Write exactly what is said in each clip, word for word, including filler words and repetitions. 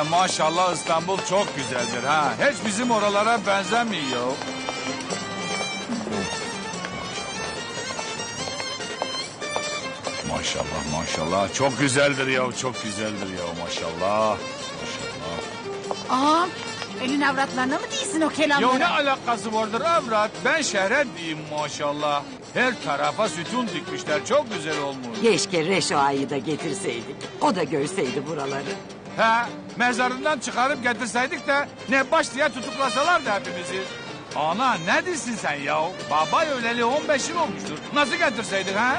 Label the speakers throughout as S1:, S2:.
S1: maşallah İstanbul çok güzeldir ha. Hiç bizim oralara benzemiyor. Maşallah maşallah çok güzeldir ya, çok güzeldir ya maşallah. Maşallah.
S2: Ağam elin avratlarına mı değilsin o kelamları?
S1: Ya ne alakası vardır avrat? Ben şehre diyeyim maşallah. Her tarafa sütun dikmişler, çok güzel olmuş.
S3: Keşke Reşo Ağa'yı da getirseydik. O da görseydi buraları.
S1: He, mezarından çıkarıp getirseydik de ne baş diye tutuklasalardı hepimizi. Ana ne diyorsun sen ya? Baba öleli on beş yıl olmuştur. Nasıl getirseydik ha?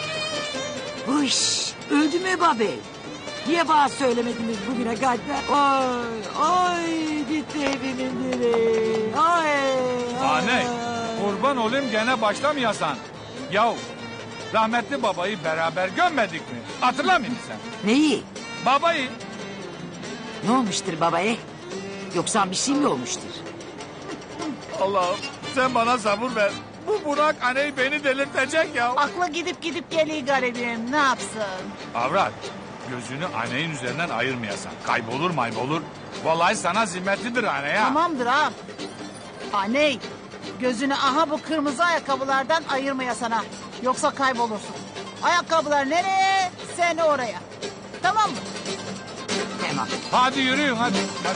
S3: Hış, öldü mü babel? Niye bana söylemediniz bugüne kadar? Ay, ay gitti evimin direği. Ay, ay.
S1: Anne, kurban olayım gene başlamayasan. Yahu, rahmetli babayı beraber gömmedik mi? Hatırlamıyor musun sen?
S3: Neyi?
S1: Babayı.
S3: Ne olmuştur babaya? Yoksa bir şey mi olmuştur?
S1: Allah'ım sen bana sabır ver. Bu Burak anneyi beni delirtecek ya.
S2: Aklı gidip gidip geliyor garibim, ne yapsın?
S1: Avrat, gözünü anneyin üzerinden ayırmayasan. Kaybolur maybolur. Vallahi sana zimmetlidir anne ya.
S2: Tamamdır ağam. Aney, gözünü aha bu kırmızı ayakkabılardan ayırmaya sana. Yoksa kaybolursun. Ayakkabılar nereye, sen oraya. Tamam mı?
S3: Tamam.
S1: Hadi yürüyün hadi. hadi.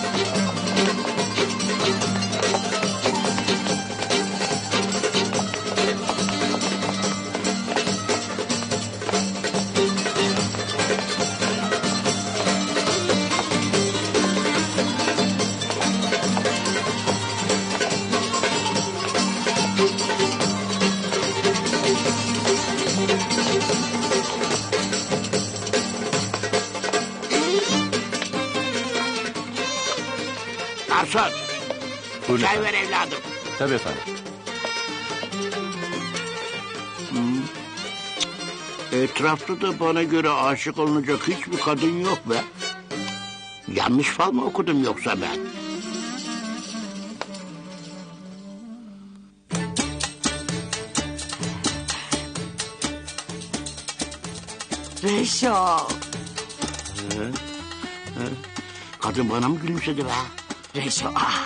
S4: Garson,
S5: Buyurun
S4: çay
S5: efendim.
S4: ver evladım.
S5: Tabii efendim.
S4: Etrafta da bana göre aşık olunacak hiçbir kadın yok be. Yanlış fal mı okudum yoksa ben?
S3: Reşo.
S4: Kadın bana mı gülümsedi be?
S3: Reşo ah.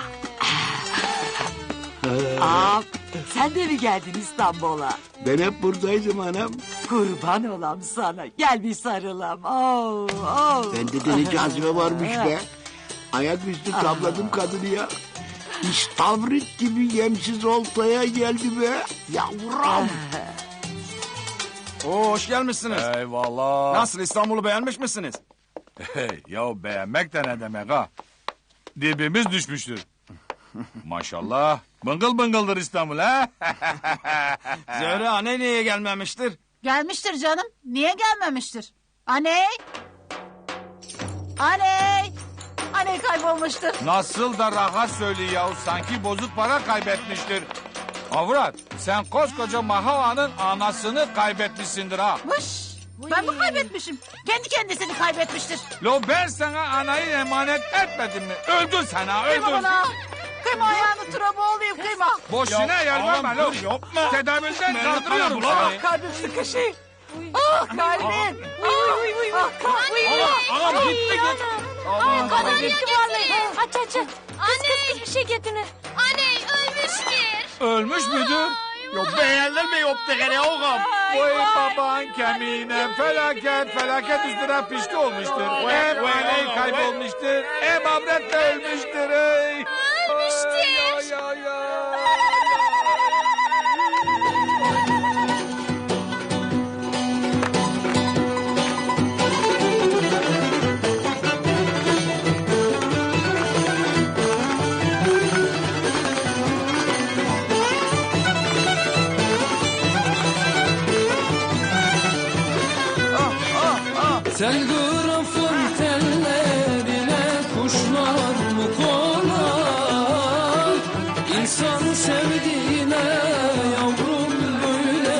S3: Aa, sen de mi geldin İstanbul'a?
S4: Ben hep buradaydım anam.
S3: Kurban olam sana. Gel bir sarılam. Oh, oh.
S4: Bende de ne cazibe varmış be. Ayaküstü tabladım kadını ya. İstavrit gibi yemsiz oltaya geldi be. Yavrum.
S6: Oo, hoş gelmişsiniz.
S1: Eyvallah.
S6: Nasıl, İstanbul'u beğenmiş misiniz?
S1: Hey, ya beğenmek de ne demek ha? Dibimiz düşmüştür. Maşallah. Bıngıl bıngıldır İstanbul ha?
S6: Zöhre anne niye gelmemiştir?
S2: Gelmiştir canım. Niye gelmemiştir? Aney! Aney! Aney kaybolmuştur.
S1: Nasıl da rahat söylüyor ya. Sanki bozuk para kaybetmiştir. Avrat sen koskoca Mahava'nın anasını kaybetmişsindir ha.
S2: Vış! Ben mi kaybetmişim? Kendi kendisini kaybetmiştir.
S1: Lo ben sana anayı emanet etmedim mi? Öldür sen ha öldür.
S2: Kıyma bana. Kıyma ayağını tura boğulayım kıyma.
S1: Boşuna yalvarma lo. Tedavülden kaldırıyorum seni.
S2: Kalbim sıkışıyor. Ah kalbim. Ah kalbim.
S6: Ağam gitti git.
S2: Ah kalbim gitti vallahi.
S7: Aç aç aç. Kız kız bir şey getirin. Anne ölmüştür.
S1: Ölmüş müdür?
S6: Yok beğenler mi yoktu gene ağam?
S1: Vay baban kemiğine felaket felaket üstüne pişti olmuştur. Hem aney kaybolmuştur. Hem avret de ölmüştür. Ey.
S7: Ölmüştür.
S1: Ay, ay, ay.
S8: Telgrafın tellerine kuşlar mı konar? İnsan sevdiğine yavrum böyle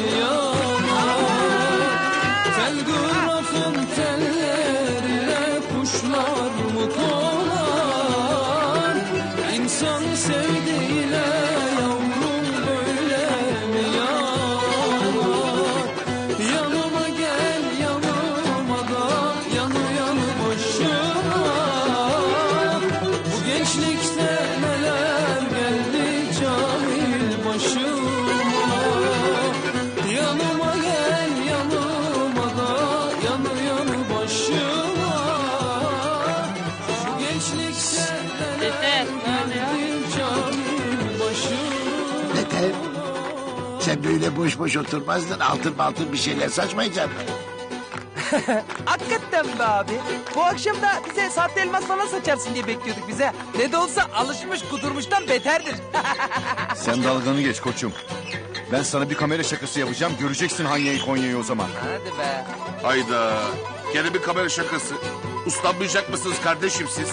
S8: yanar. Telgrafın tellerine kuşlar mı konar? İnsan sevdiğine yavrum böyle mi yanar? Yanıma gel yanıma da yanı yanı başıma. gençlikte neler geldi Camil başıma. Yanıma gel yanıma da yanı yanı başıma. Şu gençlikte neler geldi Camil başıma.
S4: Beter. Sen böyle boş boş oturmazdın. Altın altın bir şeyler saçmayacaksın.
S9: Hakikaten be abi. Bu akşam da bize sahte elmas falan saçarsın diye bekliyorduk bize. Ne de olsa alışmış kudurmuştan beterdir.
S5: Sen dalganı geç koçum. Ben sana bir kamera şakası yapacağım. Göreceksin Hanya'yı Konya'yı o zaman.
S9: Hadi be.
S6: Hayda. Gene bir kamera şakası. Uslanmayacak mısınız kardeşim siz?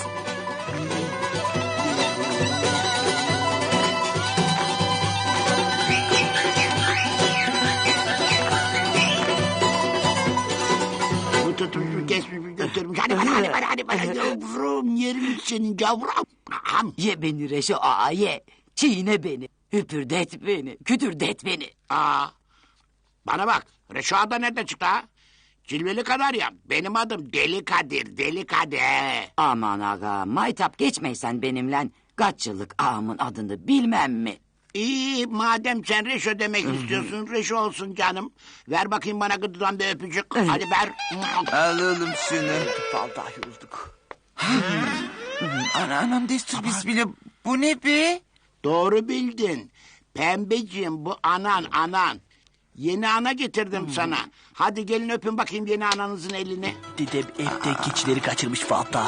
S4: Bu tutmuş kesmiş götürmüş. Hadi bana hadi bana hadi bana yavrum. Yerim senin yavrum. Ham.
S3: Ye beni Reşo ağa ye. Çiğne beni. Hüpürdet beni. Kütürdet beni.
S4: Aa, bana bak. Reşo da nerede çıktı ha? Cilveli kadar ya. Benim adım Deli Kadir. Deli Kadir.
S3: Aman aga maytap geçmeysen benimle. Kaç yıllık ağamın adını bilmem mi?
S4: İyi madem sen Reşo demek istiyorsun. Reşo olsun canım. Ver bakayım bana gıdıdan bir öpücük. Hadi ver.
S10: Al oğlum şunu.
S9: Vallahi yorulduk.
S10: Ana anam destur bismillah. Bu ne be?
S4: Doğru bildin. Pembeciğim bu anan anan. Yeni ana getirdim sana. Hadi gelin öpün bakayım yeni ananızın elini.
S9: Dedem evde keçileri kaçırmış vallahi.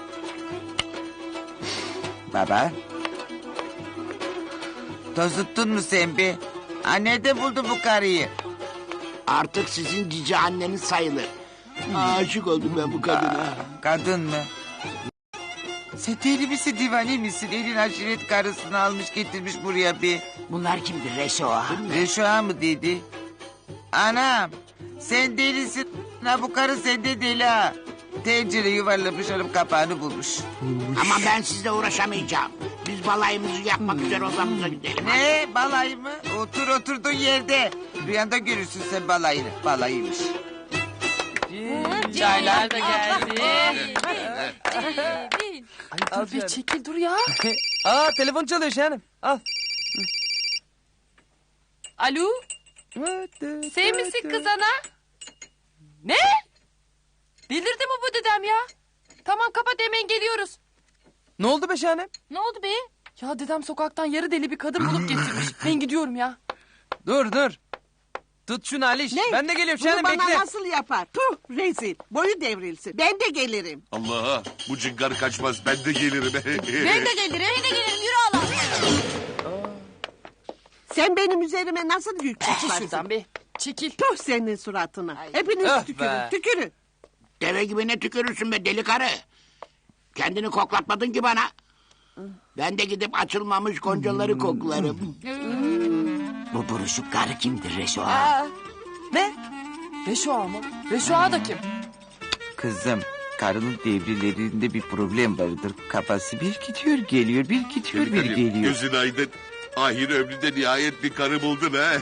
S10: Baba. Tozuttun mu sen be? Ha, nerede buldun bu karıyı?
S4: Artık sizin cici anneniz sayılır. Aşık oldum ben bu kadına.
S10: Kadın mı? Sen deli misin divane misin? Elin aşiret karısını almış getirmiş buraya be.
S3: Bunlar kimdir Reşo ağa?
S10: Reşoğa mı dedi? Anam sen delisin. Ha, bu karı sende deli ha. Tencere yuvarlamış hanım kapağını bulmuş.
S4: Ama ben sizle uğraşamayacağım. Biz balayımızı yapmak üzere odamıza gidelim.
S10: Ne balayı mı? Otur oturduğun yerde. Rüyanda görürsün sen balayını. Balayıymış.
S7: Çaylar da geldi.
S9: Al bir çekil dur ya. Aa telefon çalıyor Şahanem. Al.
S7: Alo? Sen misin kız ana? Ne? Bildirdi mi bu dedem ya? Tamam kapat hemen geliyoruz.
S9: Ne oldu be Şahanem?
S7: Ne oldu be? Ya dedem sokaktan yarı deli bir kadın bulup getirmiş. Ben gidiyorum ya.
S9: Dur dur. Tut şunu Aliş. Ben de geliyorum Şahanem
S11: Bunu bana
S9: bekle.
S11: nasıl yapar? Tuh rezil. Boyu devrilsin. Ben de gelirim.
S6: Allah bu cıngar kaçmaz ben de gelirim.
S7: Ben de gelirim. Ben de gelirim. Yürü Allah.
S11: Sen benim üzerime nasıl yük
S7: Çekil
S11: çıkarsın?
S7: şuradan be. Çekil.
S11: Tuh senin suratına. Hepiniz
S9: Öh
S11: tükürün.
S9: be.
S11: Tükürün.
S4: Deve gibi ne tükürürsün be deli karı. Kendini koklatmadın ki bana. Ben de gidip açılmamış goncaları koklarım.
S3: Bu buruşuk karı kimdir Reşo ağa?
S9: Ne?
S7: Reşo ağa mı? Reşo ağa da kim?
S10: Kızım karının devrelerinde bir problem vardır. Kafası bir gidiyor geliyor bir gidiyor bir geliyor.
S6: Gözün aydın. Ahir ömründe nihayet bir karı buldun ha.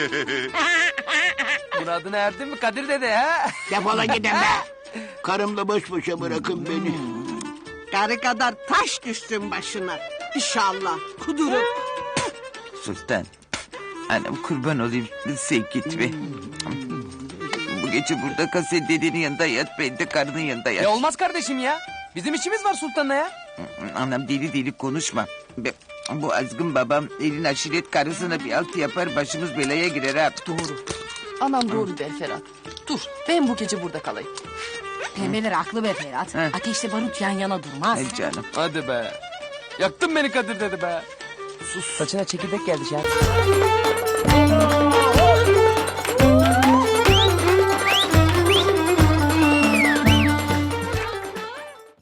S9: Muradına erdin mi Kadir dede ha?
S4: Defola gidin be. Karımla baş başa bırakın beni.
S11: Karı kadar taş düşsün başına. İnşallah. Kudurup.
S10: Sultan. Anam kurban olayım sen gitme. Bu gece burada kal sen dedenin yanında yat ben de karının yanında yat.
S9: E olmaz kardeşim ya. Bizim işimiz var Sultan'la ya.
S10: Anam deli deli konuşma. Be- Bu azgın babam elin aşiret karısına bir altı yapar başımız belaya girer ha.
S7: Doğru. Anam doğru der Ferhat. Dur ben bu gece burada kalayım.
S2: Pembeler haklı be Ferhat.
S10: He.
S2: Ateşle barut yan yana durmaz.
S10: Ay canım.
S9: Hadi be. Yaktın beni Kadir dedi be. Sus. Saçına çekirdek geldi Şahanem.